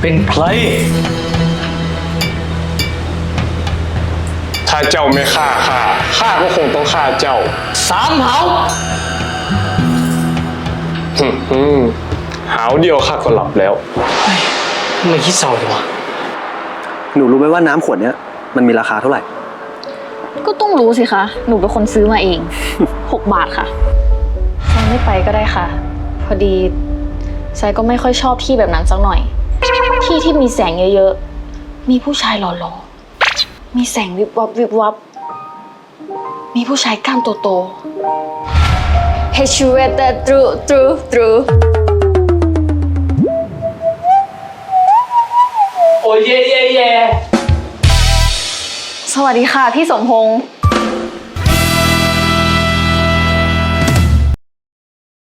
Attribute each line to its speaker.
Speaker 1: เป็นใคร
Speaker 2: ถ้าเจ้าไม่ฆ่าข้าก็คงต้องฆ่าเจ้า
Speaker 1: สามเหา
Speaker 2: หาวเดียวข้าก็หลับแล้ว
Speaker 1: ทำไมคิดเศร้าจังวะ
Speaker 3: หนูรู้ไหมว่าน้ำขวดเนี้ยมันมีราคาเท่าไหร่
Speaker 4: ก็ต้องรู้สิคะหนูเป็นคนซื้อมาเอง 6 บาทค่ะทรายไม่ไปก็ได้ค่ะ พอดีทรายก็ไม่ค่อยชอบที่แบบนั้นสักหน่อยที่ที่มีแสงเยอะๆมีผู้ชายหล่อๆมีแสงวิบวับวิบวับมีผู้ชายกล้ามโตๆ Hey you read that through
Speaker 1: โอ้ยเย่
Speaker 4: สวัสดีค่ะพี่สมพงษ์